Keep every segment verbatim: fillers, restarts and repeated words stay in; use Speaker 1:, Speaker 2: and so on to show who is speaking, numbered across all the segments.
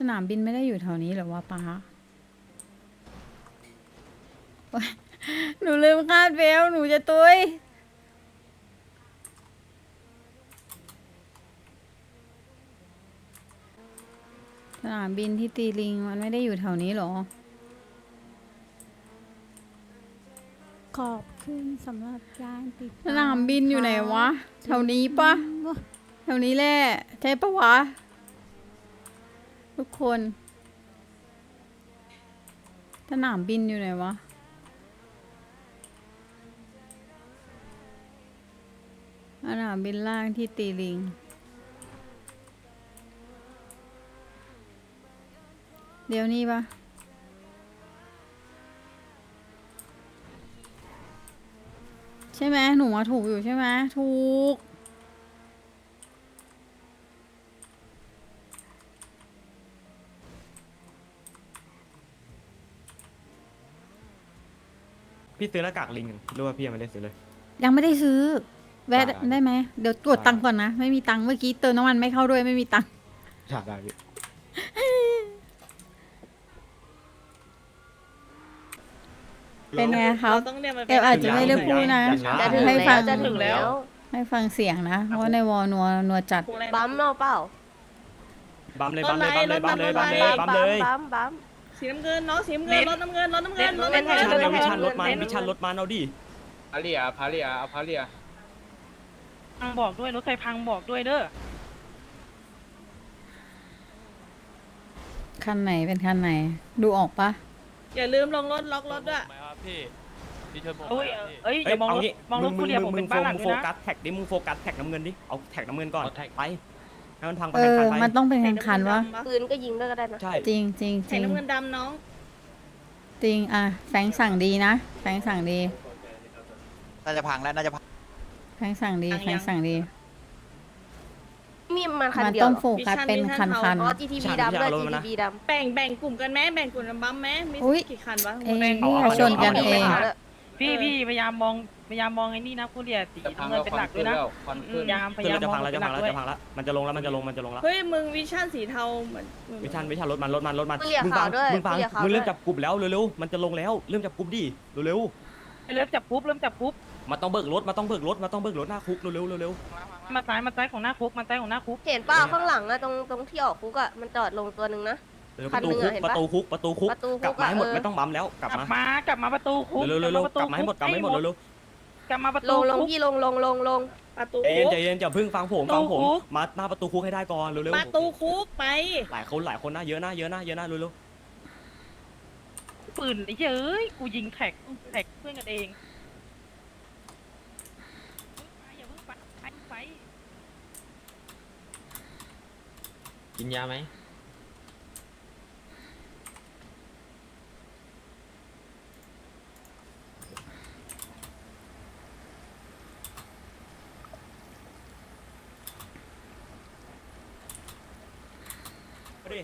Speaker 1: สนามบินไม่ได้อยู่แถวนี้เหรอวะป้าโอ๊ยหนูลืมคาดเบลต์หนูจะตุยสนามบินที่ตีลิงมันไม่ได้อยู่แถวนี้เหรอ
Speaker 2: ขอบคุณสำหรับการติด
Speaker 1: สนามบินอยู่ไหนวะ แถวนี้ปะแถวนี้แหละใช่ปะวะ ทุกคน สนามบินอยู่ไหนวะ สนามบินล่างที่ตีลิง เดี๋ยวนี้ปะใช่ไหมหนูมาถูกอยู่ใช่ไหมถูก
Speaker 3: พี่ซื้อหน้ากากลิงหรือว่าพี่ยังไม่ได้ซื้อเลย
Speaker 1: ยังไม่ได้ซื้อ แวะ
Speaker 3: ได้
Speaker 1: ได้ไหมเดี๋ยวตรวจ
Speaker 3: ได้
Speaker 1: ตังค์ก่อนนะ ไม่มีตังค์เมื่อกี้เติมน้ำมันไม่เข้าด้วยไม่มีตังค์
Speaker 3: ได้ได้พี่
Speaker 1: เป็นไงครับ
Speaker 4: ต้องเรียกมัน
Speaker 1: เอลอาจจะไม่ได้พูดนะ
Speaker 3: อย่าช้า
Speaker 4: จะถึง
Speaker 1: ให้
Speaker 4: แล้
Speaker 1: ฟั
Speaker 4: ว
Speaker 1: ง
Speaker 4: จะถึงแล้ว
Speaker 1: ให้ฟังเสียงนะ เพราะว่าในวอลนัวนัวจัด
Speaker 5: บัมเอาเปล่า
Speaker 3: บัมเลยบัมเลยบัมเลยบัมเลยบัมเลยบัมเลย
Speaker 5: บัมบัม
Speaker 4: สีน้ำเงินน้องสีน้ำเงินรถน้ำเงินรถน้ำเงินรถ
Speaker 5: เน้
Speaker 4: น้ำ
Speaker 5: น
Speaker 4: เงิน
Speaker 3: วิชัน
Speaker 5: เน้
Speaker 3: เลยวิชันรถมันวิชันรถมันเอาดิ
Speaker 6: พาเรียพาเรียเอาพาเรีย
Speaker 7: พังบอกด้วยรถไฟพังบอกด้วยเด้อ
Speaker 1: คันไหนเป็นคันไหน ดูออกปะ
Speaker 4: อย่าลืมลงรถล็อกรถด้วย
Speaker 7: เอ้ยเอ้ย
Speaker 3: เอ้
Speaker 7: เดี๋ยวมอง
Speaker 3: เอา
Speaker 7: รถ
Speaker 3: งี้
Speaker 7: มองรถ
Speaker 3: มึ
Speaker 7: ผู้
Speaker 3: ง
Speaker 7: เรียน
Speaker 3: มึ
Speaker 7: ผ
Speaker 3: ง
Speaker 7: ม
Speaker 3: มึ
Speaker 7: เป็
Speaker 3: ง
Speaker 7: น
Speaker 3: โฟ
Speaker 7: บ้านหลัก
Speaker 3: มึง
Speaker 7: ด้
Speaker 3: โฟ
Speaker 7: วยนะ
Speaker 3: กัสแท็กดิมึงโฟกัสแท็กน้ำเงินดิเอาแท็กน้ำเงินก่อนไปให้มันพังไป
Speaker 1: เออ
Speaker 3: ไป
Speaker 1: มันต้องเป็นคันคันๆวะ
Speaker 5: ปืนก็ยิงด้วยก็ได้นะ
Speaker 3: ใช่
Speaker 1: จริงจริงจ
Speaker 4: ใส่
Speaker 1: ริง
Speaker 4: น้ำเงินดำน้อง
Speaker 1: จริงอ่ะแฟรงค์สั่งดีนะแฟรงค์สั่งดี
Speaker 8: น่าจะพังแล้วน่าจะพัง
Speaker 1: แฟรงค์สั่งดีแฟรงค์สั่งดี
Speaker 5: มีมันคัน
Speaker 1: มัน
Speaker 5: เดียว
Speaker 1: ต้อง
Speaker 5: เหรอ
Speaker 1: โฟกัสเป็นคันคัน
Speaker 5: อ๋อ จี ที พี ดำด้วย จี ที พี ดำ
Speaker 4: แบ่งแบ่งกลุ่มกันไหมแบ่งกลุ่มกันบัมไหมมี
Speaker 1: อุ๊ย
Speaker 4: กี่คันวะ
Speaker 1: เอ้ย
Speaker 4: แบ่ง
Speaker 1: อย่าชนกันเอง
Speaker 7: พี่พี่พยายามมองพยายามมองไอ้นี่นะผู้เรียนสี
Speaker 6: จะพัง
Speaker 7: น้ำเงิ
Speaker 6: แล้
Speaker 7: น
Speaker 6: ว
Speaker 7: เป็นหลักด้วยนะ
Speaker 6: ควัน
Speaker 7: อื
Speaker 6: ขึ้
Speaker 7: ม
Speaker 6: น
Speaker 7: พยายามพ
Speaker 3: คื
Speaker 7: ยายาม
Speaker 3: อจะ
Speaker 7: มอ
Speaker 3: พั
Speaker 7: ง
Speaker 3: งแล้ว
Speaker 7: เป็
Speaker 3: จะ
Speaker 7: นห
Speaker 3: พั
Speaker 7: ลั
Speaker 3: ง
Speaker 7: ก
Speaker 3: แล้ว
Speaker 7: ด้วย
Speaker 3: จะพังแล้วมันจะลงแล้วมันจะลงมันจะลงแล้ว
Speaker 4: เฮ้ยมึงวิชั่นสีเทาเหมือน
Speaker 3: วิชันวิชันรถมันรถมันรถมัน
Speaker 5: ผู้เรียก
Speaker 3: มึง
Speaker 5: ขา
Speaker 3: ฟั
Speaker 5: ว
Speaker 3: ง
Speaker 5: ด้วย
Speaker 3: มึงฟัง
Speaker 5: ผู้เรียกขาว
Speaker 3: มึงเริ่ม
Speaker 5: ด้วย
Speaker 3: จับกลุ่มแล้วเร็วๆมันจะลงแล้วเริ่มจับกลุ่มดิเร็ว
Speaker 7: เริ่มจับปุ๊บเริ่มจับปุ๊บ
Speaker 3: ๆมันต้องเบิกรถมันต้องเบิกรถมันต้องเบิกรถหน้าคุกเร็วๆเร็ว
Speaker 7: มาซ้ายมาซ้ายของหน้าคุกมาซ้ายของหน้าคุก
Speaker 5: เห็นเปล่าข้างหลังอะตรงตรงที่ออกคุกอะมันจอดลงตัวหนึ่งนะ
Speaker 3: ๆเร็ว
Speaker 5: คั
Speaker 3: ประ
Speaker 5: น
Speaker 3: ตู
Speaker 5: หนึ่ง
Speaker 3: คุก
Speaker 5: อะเห็น
Speaker 3: ประ
Speaker 5: ปะ
Speaker 3: ตูคุกประตูคุก
Speaker 5: ประตูคุก
Speaker 3: กลับมาให้หมด
Speaker 5: อะเออ
Speaker 3: ไม่ต้องบัมแล้วกลับ
Speaker 7: กลับ
Speaker 3: มา
Speaker 7: มากลับมาประตูคุก
Speaker 3: เร็วๆเร็ว
Speaker 7: กลับ
Speaker 3: ๆ
Speaker 7: มาประ
Speaker 3: ก
Speaker 7: ตู
Speaker 3: ลับมาให้หมดกลับมาให้หมด
Speaker 7: คุก
Speaker 3: เร็ว
Speaker 7: กลับมาประ
Speaker 5: ล
Speaker 7: ตู
Speaker 5: งลง
Speaker 7: คุก
Speaker 5: พี่ลงลงลงลง
Speaker 4: ประตู
Speaker 3: ๆเอ็
Speaker 4: คุ
Speaker 3: น
Speaker 4: ก
Speaker 3: ใจเย็นอย่าเพิ่งฟังผมฟังผม
Speaker 7: ประตูคุก
Speaker 3: มาหน้าประตูคุกให้ได้ก่อนเร็ว
Speaker 4: ประตูคุกไป
Speaker 3: ๆหลายคนหลายคนนะเยอะนะเยอะนะเยอะนะเร็ว
Speaker 7: ปืนไอ้เจ้ยกูยิงแท็กแท็กเพื่อนกันเองอย่าเพิ่งไปไปไป
Speaker 6: กินยาไหม
Speaker 3: ๆเอาดิ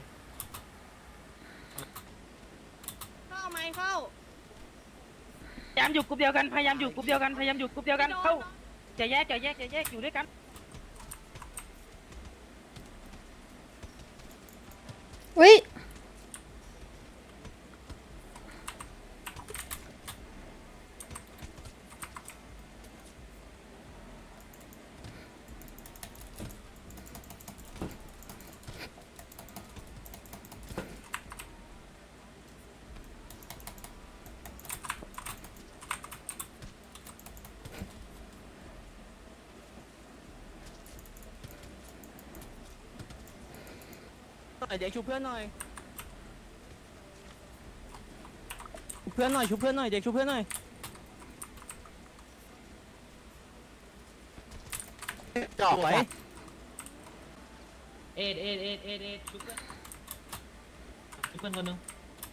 Speaker 4: เข้าไหมเข้า
Speaker 7: พยายามอยู่กลุ่มเดียวกันพยายามอยู่กลุ่มเดียวกันพยายามอยู่กลุ่มเดียวกันเข้าจะแยกจะแยกจะแยกอยู่ด้วยกัน
Speaker 1: อุ้ย
Speaker 8: เด็กชูเพื่อนหน่อยเพื่อนหน่อยชูเพื่อนหน่อยเด็กชูเพื่อนหน่อยจอกไว้
Speaker 6: เอ็ดเอ็ดเอ็ดเอ็ดเอ็ดชุบเพื่อนชุบเพื่อนคนหนึง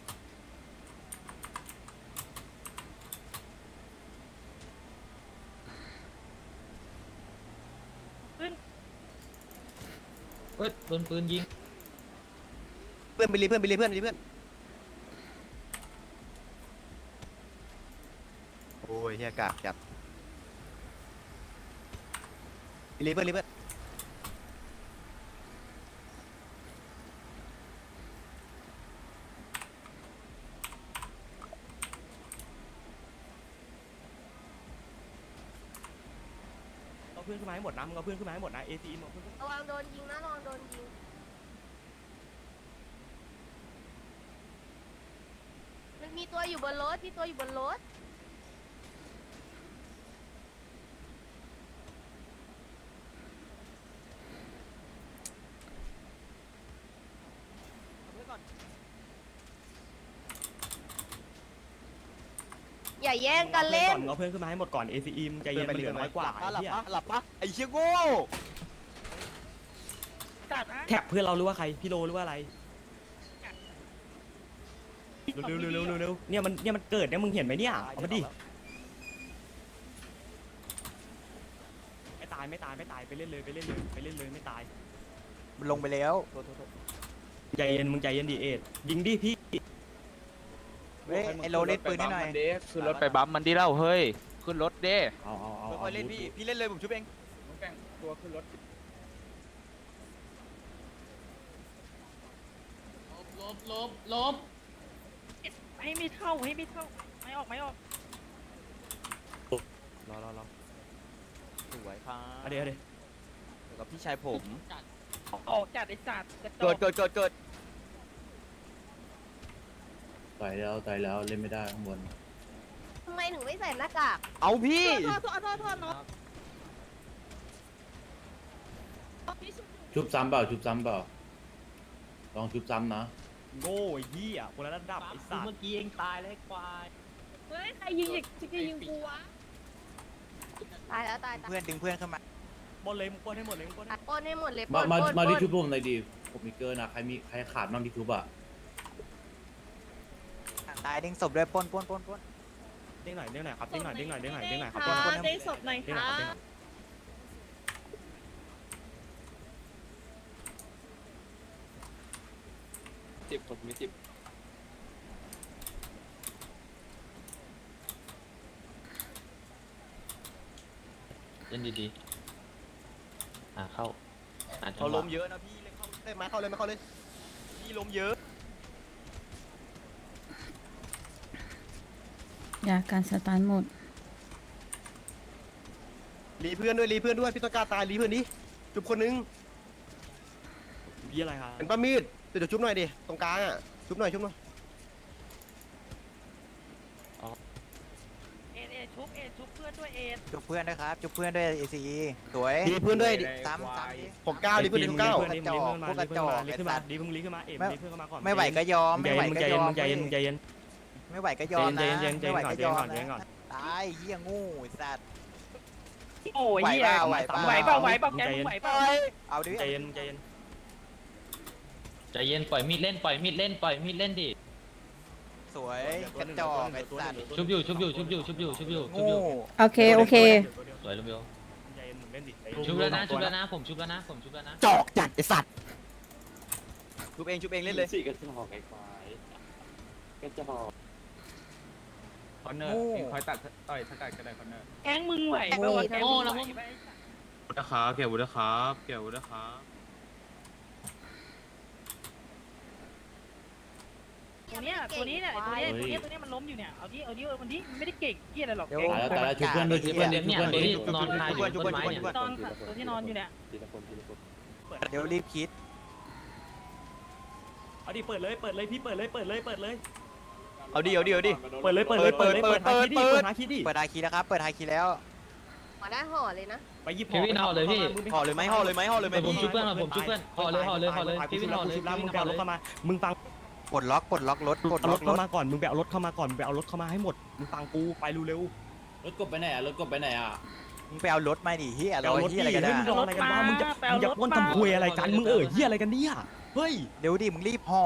Speaker 6: เฮ้ยโดนปืนยิง
Speaker 8: เพื่อนไปรีเพื่อนไปรีเพื่อนไปรีเพื่อนโอ้ยเฮียกากจัดไปรีเพื่อนรีเพื่อน
Speaker 3: เพื่อนขึ้นมาให้หมดนะมึงเอาเพื่อนขึ้นมาให้หมดนะเอซีมึงเอาเพื่อนขึ้น
Speaker 5: ระวังโดนยิงนะระวังโดนยิงมันมีตัวอยู่บนรถมีตัวอยู่บนรถ อย่าแย่งกันเล่น
Speaker 3: มึงเอาเพื่อนขึ้นมาให้หมดก่อน เอ ซี อี มึงใจเย็นมันเหลือน้อยกว่าไอ้
Speaker 8: หลับ
Speaker 3: เหี้ย
Speaker 8: ปะหลับปะไอ้เชี่ยโง่
Speaker 7: จัดนะ
Speaker 3: แท็กเพื่อนเราหรือว่าใครพี่โลหรือว่าอะไรเร็วเร็วเร็วเร็วเร็วเนี่ยมันเนี่ยมันเกิดเนี่ยมึงเห็นไหมเนี่ยเอามาดิไม่ตายไม่ตายไม่ตายไปเล่นเลยไปเล่นเลยไปเล่นเลยไม่ตาย
Speaker 8: มันลงไปแล้ว
Speaker 3: ใจเย็นมึงใจเย็นดิเอ็ดยิงดิพี่
Speaker 8: เฮ้ยไอโลเล่นปืนให้หน่อย
Speaker 9: ขึ้นรถไปบัมมันดิเล่าเฮ้ยขึ้นรถเด้
Speaker 3: เอาเอาเอา
Speaker 8: ค่อยๆเล่นพี่พี่เล่นเลยผมชุบเอง
Speaker 9: ตัวขึ้นรถ
Speaker 6: ลบลบลบ
Speaker 7: ให้ไม่เท่าให้ไม่เท่าไม่ออกไม่ออก
Speaker 3: รอรอรอ
Speaker 8: สวยครับ
Speaker 3: เอาดี๋ยวเอาดี๋ยว
Speaker 8: กับพี่ชายผม
Speaker 7: ออกจัดไอ้สัตว์กระจ
Speaker 8: เกิ
Speaker 7: อ
Speaker 8: ด
Speaker 7: ก
Speaker 8: เกิดเกิดเกิด
Speaker 10: ต่อยแล้วต่อยแล้วเล่นไม่ได้ข้างบน
Speaker 5: ทำไมถึงไม่ใส่หน้ากาก
Speaker 8: เอาพี่
Speaker 4: โทษโทษโทษโทษน้อง
Speaker 10: ชุบซ้ำเปล่าชุบซ้ำเปล่าลองชุบซ้ำนะ
Speaker 3: โง่ไอ้เหี้ยคนละระดับไอ้สัต
Speaker 6: เมื่อ
Speaker 3: ว์
Speaker 6: กี้เองตายแล้วไอ้ควาย
Speaker 4: เฮ้ยใครยิงอีกจะยิงกูวะ
Speaker 5: ตายแล้วตายตาย
Speaker 8: เพื่อนดึงเพื่อนเข้ามา
Speaker 3: บอลเลยมึงปล้นให้หมดเลยมึงปล้นให้
Speaker 5: ปล้นให้หมดเลยป
Speaker 10: มา
Speaker 5: ล้น
Speaker 10: มา
Speaker 5: ปล้น
Speaker 10: มา
Speaker 5: ป
Speaker 10: ที่
Speaker 5: ล้น
Speaker 10: ชุบผมหน่อยดิผมมีเกินอะใครมีใครขาดบ้างที่ชุบอะ
Speaker 8: ตายดึงศพด้วยปล้นปล้นปล้นปล้น
Speaker 3: เด้งหน่อยเด้งหน่อยครับเด้งหน่อยเด้งหน่อยเด้งหน่อยเด้งหน่อยครับ
Speaker 4: ค่ะ
Speaker 3: เด้งหน่อย
Speaker 4: เด้งศพหน่อย
Speaker 3: เด้งหน่
Speaker 4: ค่ะ
Speaker 3: อยครับเด้งหน่อย
Speaker 9: สิบผมมีสิบเล่นดีๆอ่าเข้าอ่า
Speaker 8: เขาล้มเยอะนะพี่เล่นเข้าเล่นมาเข้าเลยมาเข้าเลยพี่ล้มเยอะ
Speaker 1: ยาการสตาร์ทหมด
Speaker 8: รีเพื่อนด้วยรีเพื่อนด้วยพี่ต้นกล้าตายรีเพื่อนดิจุบคนนึง
Speaker 3: พี่อะไรครับ
Speaker 8: เป็นป้ามีดเดี๋ยวชุบหน่อยดิตรงกลางอ่ะชุบหน่อยชุบหน่อย
Speaker 7: เอ็ดเอ็ดชุบเอ็ดชุบเพื่อนด้วยเอ็ด
Speaker 8: จุบเพื่อนด้วยครับจุบเพื่อนด้วยเอซีสวยรีเพื่อนด้วยซ้ำซ้ำผมก้าวรีเพื่อนดิเก้า
Speaker 3: ดี
Speaker 8: กระจอกพวกกระจอก
Speaker 3: ดี
Speaker 8: ไอ้
Speaker 3: ขึ้น
Speaker 8: สั
Speaker 3: มา
Speaker 8: ตว์
Speaker 3: ดีมึงรีขึ้นมาเอ็มรีขึ้นมาก่อน
Speaker 8: ไม่ไหวก็ยอมไม่ไหว
Speaker 3: มึง
Speaker 8: ก็
Speaker 3: ใจ
Speaker 8: ย
Speaker 3: เย็น
Speaker 8: อม
Speaker 3: มึงใจเย็นมึงใจเย็น
Speaker 8: ไม่ไหวก็ยอมนะ
Speaker 3: ใจเย็นใจ
Speaker 8: ไม่
Speaker 3: เย็น
Speaker 8: ไหว
Speaker 3: ใจเย็น
Speaker 8: ก็ยอม
Speaker 3: ใจเย็นก่อน
Speaker 8: นะตายเฮียงูไอ้สัตว์
Speaker 7: โอ้ย
Speaker 8: ไหว
Speaker 7: เหี้ย
Speaker 8: เปล่าไหวเปล่า
Speaker 7: ไหวเปล่าไหวเปล่าแกมึงไหวเปล่า
Speaker 8: เอาดิ
Speaker 3: ใจเย็นใจเย็น
Speaker 9: ใจเย็นปล่อยมีดเล่นปล่อยมีดเล่นปล่อยมีดเล่นดิ
Speaker 8: สวยกระจอกไอ้สัตว์
Speaker 9: ชุบอยู่ชุบอยู่ชุบอยู่ชุบอยู่ชุบอยู่ชุบ
Speaker 8: งู
Speaker 9: อยู่
Speaker 1: โอเค โอเค
Speaker 9: สวยลุงเบล
Speaker 3: ใจเย็นมึงเล่นดิ
Speaker 9: ชุบแล้วนะชุบแล้วนะผมชุบแล้วนะผมชุบแล้วนะ
Speaker 8: จอกจัดไอ้สัตว์ชุบเองชุบเองเล่นเลย
Speaker 9: สี่กระจอกไอ้ควายกระจอกคอนเนอร์
Speaker 8: งู
Speaker 9: คอยตัดต่อยสกัดก็ได้คอนเนอร์
Speaker 7: แกงมึงไหวเปล่าวะแกงมึงไหวไหม
Speaker 9: วุฒิครับเกี่ยววุฒิครับเกี่ยววุฒิครับ
Speaker 7: ตัวเนี้ยตัวนี้เนี่ยตัวเนี้ยตัวเนี้ยตัวเนี้ยมันล้มอยู่เนี่ยเอาดิเอาดิเอามันดิมันไม่ได้เก่งเหี้ยอะไรหรอก
Speaker 8: เดี๋ยว
Speaker 7: แกง
Speaker 10: ตายแล้วตายแล้วชุบเพื่อนด้วยชุบเพื่อนดิชุบ
Speaker 9: เนี่ย
Speaker 10: เพื่อน
Speaker 9: ตัว
Speaker 10: ดิ
Speaker 9: ที่นอนคาอยู่บนต้นไม้เนี่ย
Speaker 7: นอนค่ะตัวที่นอนอยู่เนี่ย
Speaker 8: เดี๋ยวรีบคิด
Speaker 3: เอาดิเปิดเลยเปิดเลยพี่เปิดเลยเปิดเลยเปิดเลย
Speaker 8: เอาดิเอาดิเอาดิ
Speaker 3: เปิดเลยเปิดเลยเปิดเลยเปิดหาคีดิเปิดหาคีดิ
Speaker 8: เปิดไฮคีแล้วครับเปิดไฮคีแล้ว
Speaker 5: ห่อได้ห่อเลยนะ
Speaker 3: ไปยิบ
Speaker 9: พี่วินห่อเลยพี่
Speaker 8: ห่อเลยไหมห่อเลยไหมห่อเลยไหม
Speaker 9: แต่ผมชุบเพื่อนมาผมชุบเพื่อนห่อเลยห่อเลยห่อเลยพี่วินห่อเลย
Speaker 3: ชุบ
Speaker 9: พี่
Speaker 3: แล้ว
Speaker 9: วิ
Speaker 3: มึ
Speaker 9: น
Speaker 3: งไป
Speaker 9: ห่อ
Speaker 3: เอา
Speaker 9: เล
Speaker 3: รถ
Speaker 9: ย
Speaker 3: เข้ามามึงฟัง
Speaker 8: ปลดล็อกปลดล็อกรถปลด
Speaker 3: เอา
Speaker 8: ล็
Speaker 3: ร
Speaker 8: อก
Speaker 3: ถ
Speaker 8: ร
Speaker 3: เข้า
Speaker 8: ถ
Speaker 3: มาก่อนมึงไปเอารถเข้ามาก่อนมึงไปเอารถเข้ามาให้หมดมึงฟังกูไปเร็ว
Speaker 10: รถกบไปไหนอะรถกบไปไหนอะ
Speaker 8: มึงไปเอารถมาดิเฮีย
Speaker 3: ๆ
Speaker 8: เรา
Speaker 3: เอารถ
Speaker 8: เฮี
Speaker 3: ดิ
Speaker 8: ยอะไรกัน
Speaker 3: เฮ้ย
Speaker 8: นะ
Speaker 3: มึงรออะไรกันวะมึงจะมึงจะป้นทำคุยอะไรกันมึงเอ่ยเฮียอะไรกันเนี่ยเฮ้ย
Speaker 8: เดี๋ยวดิมึงรีบห่อ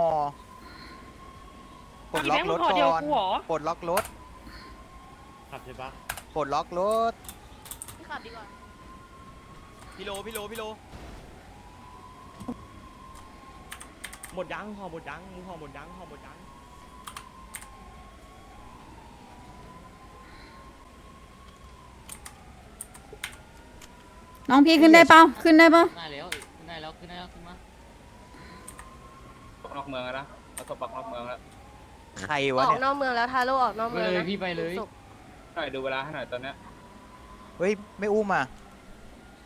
Speaker 8: ปลดล็อกรถ
Speaker 7: ห่อ
Speaker 8: ก่
Speaker 7: เดียว
Speaker 8: อน
Speaker 7: กูเหรอ
Speaker 8: ปลดล็อกรถ
Speaker 10: ขับใช่ปะ
Speaker 8: ปลดล็อกรถ
Speaker 5: พี่ขับดีกว่า
Speaker 8: พี่โลพี่โลพี่โล
Speaker 3: หมดยังห่อหมดยังมึงห่อหมดยังห่อหมดยัง
Speaker 1: น้องพี่ขึ้นได้เปล่าขึ้นได้เปล่า
Speaker 9: ได้แล้วขึ้นได้แล้วขึ้นได้แล้วขึ้นมาออกเมืองแล้วนะแล้วก็ปักออกเมืองแล้ว
Speaker 8: ใคร
Speaker 5: อ
Speaker 8: วะ
Speaker 5: อก
Speaker 8: เนี่ย
Speaker 5: นอกเมืองแล้วทาโร่ออกนอกเมือง
Speaker 9: ไปเลย
Speaker 5: นะ
Speaker 9: พี่ไปเลย
Speaker 5: ศพ
Speaker 9: หน่อยดูเวลาให้หน่อยตอนเนี้ย
Speaker 8: เฮ้ยไม่อุ้มอ่ะ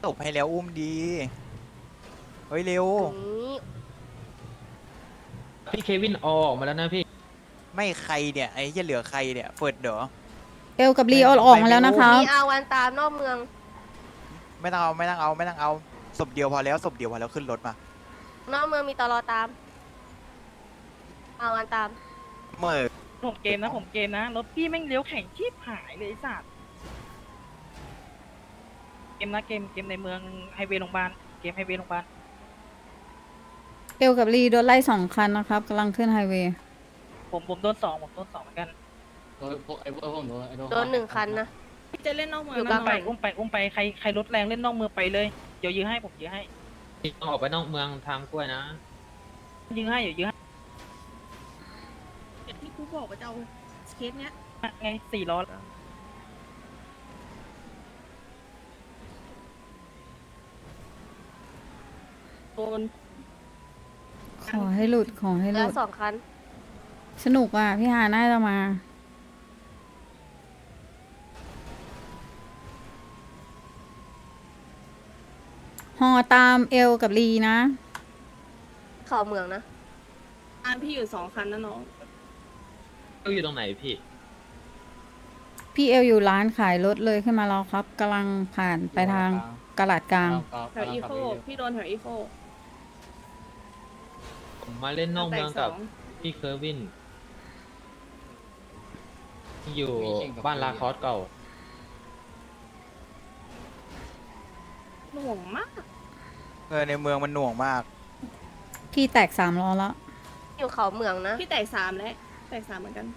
Speaker 8: ตบให้แล้วอุ้มดี เฮ้ยเร็ว
Speaker 5: นี้
Speaker 6: พี่เควินออกมาแล้วนะพี่
Speaker 8: ไม่ใครเนี่ยไอ้จะเหลือใครเนี่ยเฟิร์ดเดอ
Speaker 1: เอลกับลีเอาออกมาแล้วนะครับ
Speaker 5: มีอาวันตามนอกเมือง
Speaker 8: ไม่ต้องเอาไม่ต้องเอาไม่ต้องเอาศพเดียวพอแล้วศพเดียวพอแล้วขึ้นรถมาน
Speaker 5: อกเมืองมีตลอตามอาวันตาม
Speaker 8: เมื่อ
Speaker 7: ผมเกมนะผมเกมนะรถพี่แม่งเลี้ยวแข่งชีพหายเลยไอ้สัตว์เกมนะเกมเกมในเมืองไฮเวย์โรงพยาบาลเกมไฮเวย์โรงพยาบาล
Speaker 1: เอลกับลีโดนไล่สองคันนะครับกำลังขึ้นไฮเวย์
Speaker 7: ผมผมโดนสองผมโดนสองเหมือนกัน
Speaker 9: โดนพวกไอ้พวกผมโดนไอ้โดน
Speaker 5: โดนหนึ่งคันนะ
Speaker 4: จะเล่นนอกเมือง
Speaker 5: อยู่
Speaker 4: นะ
Speaker 5: กลาง
Speaker 7: ไปอุ้มไปอุ้มไปใครใครรถแรงเล่นนอกเมืองไปเลยเดี๋ยวยื้อให้ผมยื้อให้
Speaker 6: ออกไปนอกเมืองทางกล้วยนะ
Speaker 7: ยื้อให้เดี๋ยวยื้อให้
Speaker 4: อย่างที่กูบอกว่าจะเอาเคสเนี้ย
Speaker 7: ไงสี่ล้อ
Speaker 4: โดน
Speaker 1: ขอให้หลุดขอให้ห
Speaker 5: แล้
Speaker 1: ลุ
Speaker 5: ว
Speaker 1: ด
Speaker 5: สองคัน
Speaker 1: สนุกอ่ะ พี่ฮาน่าจะมา ฮอตามเอลกับลีนะ
Speaker 5: เข่าเมืองนะ
Speaker 4: อันพี่อยู่สองคันนะน้อง
Speaker 6: เขาอยู่ตรงไหนพี่
Speaker 1: พี่เอลอยู่ร้านขายรถเลยขึ้นมาแล้วครับกำลังผ่านไปทางกลาดกลาง
Speaker 4: แถวอีโคพี่โดนแถวอีโค
Speaker 6: ผมมาเล่นนอกเมืองกับพี่เคอร์วินที่อยู่บ้านลาคอสเก่า
Speaker 4: หน่วงมาก
Speaker 8: เออในเมืองมันหน่วงมาก
Speaker 1: พี่แตกสามล้อแล้ว
Speaker 5: อยู่เขาเมืองนะ
Speaker 4: พี่แตกสามแล้วแตกสามเหมือนกัน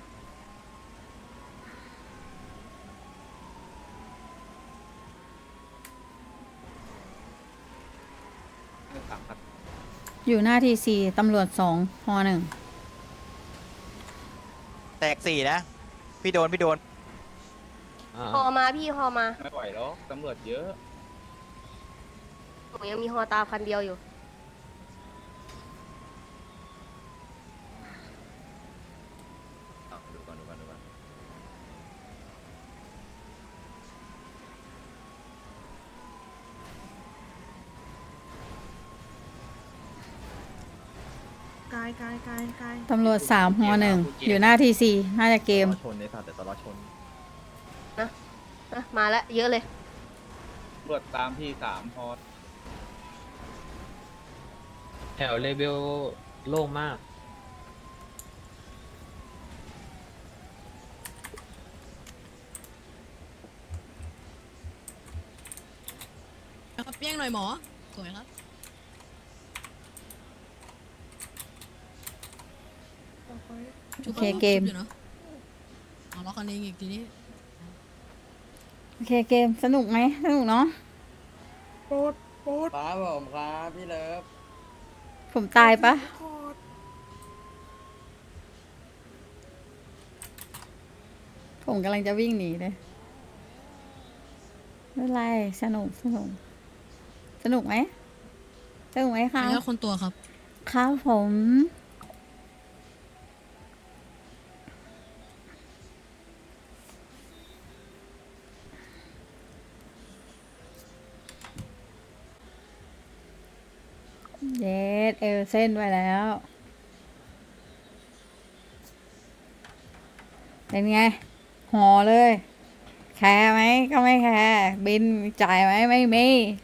Speaker 1: อยู่หน้าทีสี่ตำรวจสองฮอหนึ่ง
Speaker 8: แตกสี่นะ พี่โดนพี่โดน
Speaker 6: อ่า
Speaker 5: ฮอมาพี่ฮอมา
Speaker 3: ไม่ไหวแล้วตำรวจเยอะ
Speaker 5: หนูยังมีฮอตามคันเดียวอยู่
Speaker 3: ดูก่อนดูก่อนดูก่อน
Speaker 4: กายกายกายกาย
Speaker 1: ตำรวจสามฮอหนึ่งอยู่หน้าทีสี่น่าจะเกม
Speaker 3: ชนในสัตว์แต่ตลอดชน
Speaker 5: นะมาแล้วเยอะเลย
Speaker 3: ตำรวจตามพี่สามพอ
Speaker 6: แถวเลเวลโล่งมาก
Speaker 11: ครับเปี้ยงหน่อยหมอ สวยครับ
Speaker 1: โอเคเกม
Speaker 11: อยู่เนอะเอาล็อกกันเองอีกทีนี้
Speaker 1: โอเคเกมสนุกไหมสนุกเนาะ
Speaker 8: ป้าผมครับพี่เลิฟ
Speaker 1: ผมตายปะผมกำลังจะวิ่งหนีเลยไม่เป็นไรสนุกสนุกสนุกไหมสนุกไหมคะ
Speaker 11: แล้วคนตัวครับ
Speaker 1: ครับผมเย็ดเอลเส้นไว้แล้ว เป็นไงห่อเลย แคร์ไหมก็ไม่แคร์บินจ่ายไหมไม่มี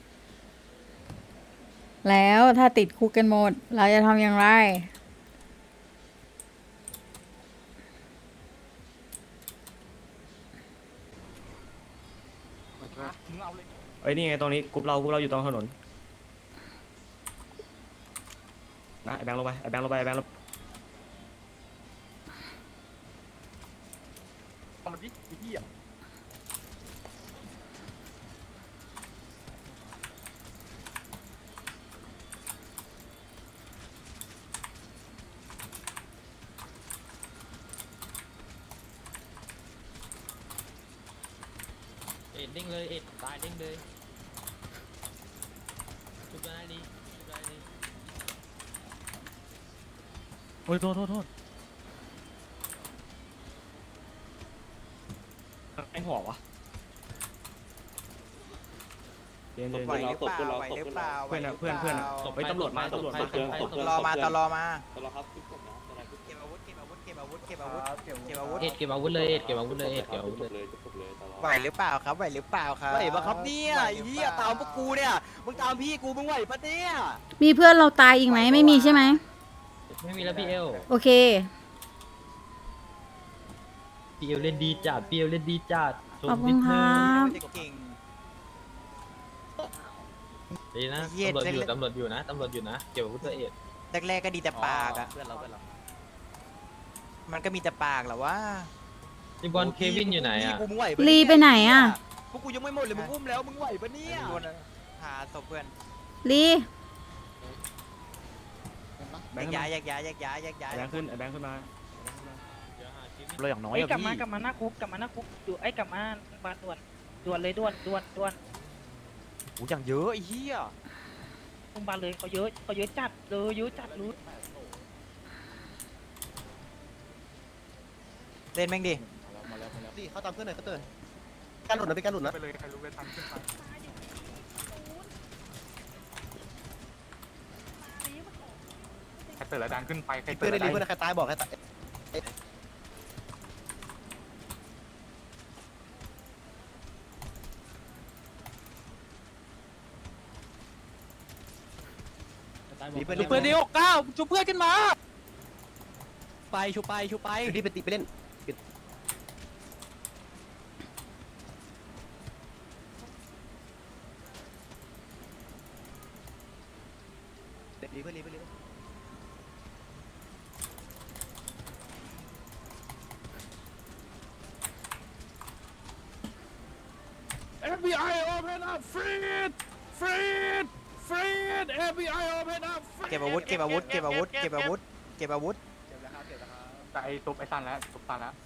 Speaker 1: แล้วถ้าติดคุกกันหมด เราจะทำอย่างไร
Speaker 3: เอ้ยนี่ไงตรงนี้กรุ๊ปเรากรุ๊ปเราอยู่ตรงถนนนะไอ้แบงค์ลงไปไอ้แบงค์ลงไปไอ้แบงค์ลงมันดิไอ้เหี้ย
Speaker 6: เอ็ดเด้งเลย เอ็ดตายเด้งเลยชุบได้ดีชุบได้ดี
Speaker 3: โอ้ยโทษโทษโทษไอ้หัววะเย็นเย็น
Speaker 8: ไหวหรือเปล่าไหวหรือเปล่า
Speaker 3: เพื่อนอะเพื่อนเพื่อนอะตบไปตำรวจมาตำรวจมา
Speaker 8: รอมาตลอมา
Speaker 9: ตลอดครับทุกคนนะตลอดทุก
Speaker 8: เก็บอาวุธเก็บอาวุธเก็บอาวุธเก็บอาวุธเก็บอาวุธ
Speaker 6: เอ็ดเก็บอาวุธเลยเอ็ดเก็บอาวุธเลยเอ็ดเก็บอาวุธเลย
Speaker 9: เลยทุกคนเลยตลอด
Speaker 8: ไหวหรือเปล่าครับไหวหรือเปล่าครับไหวปะครับเนี่ยเฮียตามพวกกูเนี่ยมึงตามพี่กูมึงไหวปะเนี่ย
Speaker 1: มีเพื่อนเราตายอีกไหมไม่มีใช่ไหม
Speaker 6: ไม่มีแล้วพี่เอล
Speaker 1: โอเค
Speaker 6: พี่เอลเล่นดีจัดพี่เอลเล่นดีจัดช
Speaker 1: ขอบ
Speaker 6: ม
Speaker 1: คุ
Speaker 6: นิ
Speaker 1: ณ
Speaker 6: ด
Speaker 1: ค
Speaker 6: นึ
Speaker 1: รั
Speaker 6: ง
Speaker 1: บ
Speaker 8: เก่ง
Speaker 6: ดีนะ
Speaker 8: เหี้ย
Speaker 6: ตำรวจอยู่
Speaker 8: เล่น
Speaker 6: ตำรวจอยู่นะตำรวจอยู่นะเก็บอาวุธตัวเอ็ด
Speaker 8: แรกๆก็ดีแต่ปากอะ
Speaker 3: เพื่อนเราเพื่อนเรา
Speaker 8: มันก็มีแต่ปากแหละว่า
Speaker 6: พี่บอลเควินอยู่ไหนอ่ะ
Speaker 8: กูมึงไหวปะ
Speaker 1: ลีไปไหนอะ
Speaker 8: พวกกูยังไม่หมดเลยมึงอุ้มแล้วมึงไหวปะเนี่ยหาศพเพื่อน
Speaker 1: ลี
Speaker 3: แบ
Speaker 8: แย
Speaker 3: ง
Speaker 8: ก
Speaker 3: ค์
Speaker 8: ย้ายแยกย้ายแยกย้ายแยกย้าย
Speaker 3: แบงค์ขึ้นแบงค์ขึ้นมา
Speaker 8: เราอย่างน้อย
Speaker 7: ไอ้ย
Speaker 8: อะ
Speaker 7: กลับมา
Speaker 8: พี่
Speaker 7: กลับมาหน้าคุกกลับมาหน้าคุกอยู่ไอ้ยกลับมาโรงพยาบาลด่วนด่วนเลยด่วนด่วนด่วน
Speaker 8: โอ้อย่างเยอะไอ้เหี้ย
Speaker 7: โรงพยาบาลเลยเขาเยอะเขาเยอะจัดเลยเยอะจัดรู้
Speaker 8: เล่นแม่งดิ
Speaker 3: ดิเขาตามเพื่อนหน่อยเขาเตือนการหลุดนะเป็นการหลุดนะไปเลยใครรู้ไปทันขึ้นไป
Speaker 9: ใครเปิดแล้วดันขึ้นไปใคร
Speaker 3: เพื่อนได้ดีเพื่อนใครตายบอกใครตายดีเพื่อน
Speaker 8: เพื่อนดิหกเก้าชุบเพื่อนขึ้นมาไปชุบไปชุบไป
Speaker 3: ดีไปตีไปเล่นดีเพื่อนดีเพื่อนดี เอฟ บี ไอ open up freed freed freed เอฟ บี ไอ open up
Speaker 8: เก็บอาวุธเก็บอาวุธเก็บอาวุธเก็บอาวุธเก็บอาวุธ
Speaker 9: แต่ไอ้ซุปไอ้ซันแล้วซุปซันแล้ว